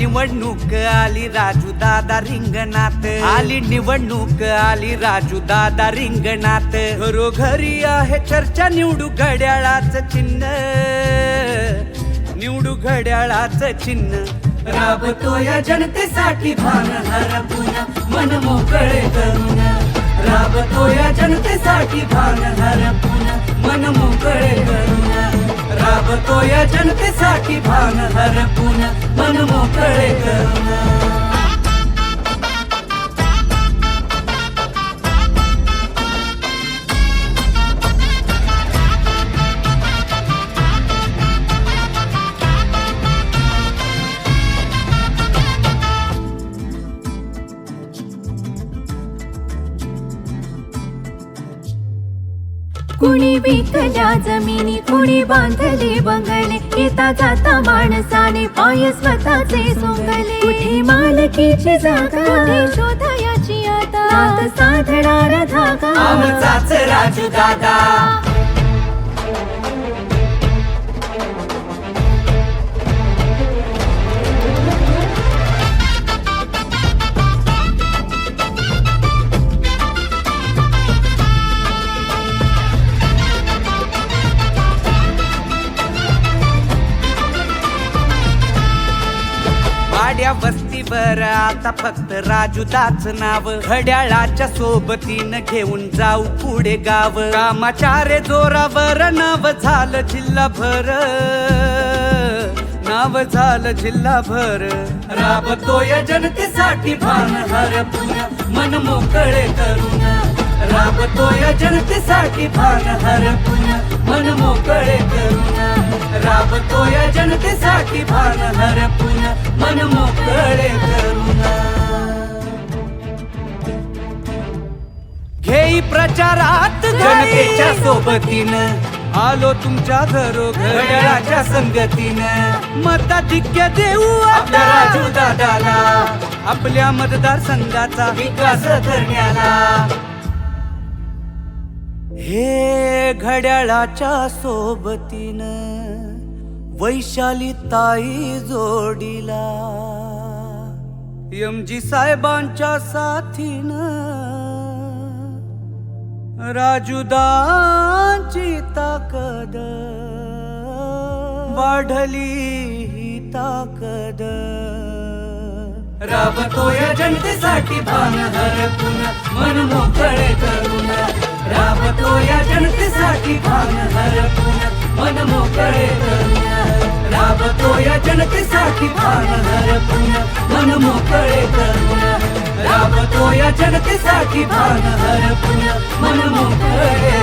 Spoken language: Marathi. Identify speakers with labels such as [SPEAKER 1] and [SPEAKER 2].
[SPEAKER 1] निवडणूक आली राजू दादा रिंगणात, आली निवडणूक आली राजू दादा रिंगणात. घरोघरी आहे चर्चा निवडू घड्याळाच चिन्ह, निवडू घड्याळाच चिन्ह. राबतो या जनतेसाठी भान हरपून मन मोकळे करून, राबतो या जनतेसाठी भान हरपून मन मोकळे करून, राबतो या जनतेसाठी भान हरपून मन मोकळे करून.
[SPEAKER 2] कुणी विकल्या जमिनी, कुणी बांधले बंगले, येता जाता माणसाने पाय स्वतःचे सोंगले. कुठे मालकीची जागा, कुठे शोधायाची आता, नात साधणारा धागा
[SPEAKER 1] आमचाच राजू दादा. वाड्या वस्तीवर आता फक्त राजूदाच नाव, घड्याळाच्या सोबतीनं घेऊन जाऊ पुढे गाव. कामाच्या रे जोरावर नाव झालं जिल्हाभर, नाव झालं जिल्हाभर. राबतोय जनतेसाठी भान हरपून मन मोकळे करून, राबतोय जनतेसाठी भान हरपून मन मोकळे करून, राबतोय जनतेसाठी भान हरपून मन मोकळे करून. घेई प्रचारात जनतेच्या सोबतीनं, आलो तुमच्या घरोघड्याच्या संगतीनं. मताधिक्य देऊ आपल्या राजू दादाला, आपल्या मतदारसंघाचा विकास करण्याला. हे घड्याळाच्या सोबतीनं वैशाली ताई जोडीला, एमजी साहेबांच्या साथीनं राजूदांची ताकद वाढली ही ताकद. राबतोय जनतेसाठी भान हरपून मन मोकळे करून, राबतोय जनतेसाठी भान हरपून मन मोकळे करून, राबतोय जनतेसाठी भान हरपून मन मोकळे करून, राबतोय जनतेसाठी भान हरपून मन मोकळे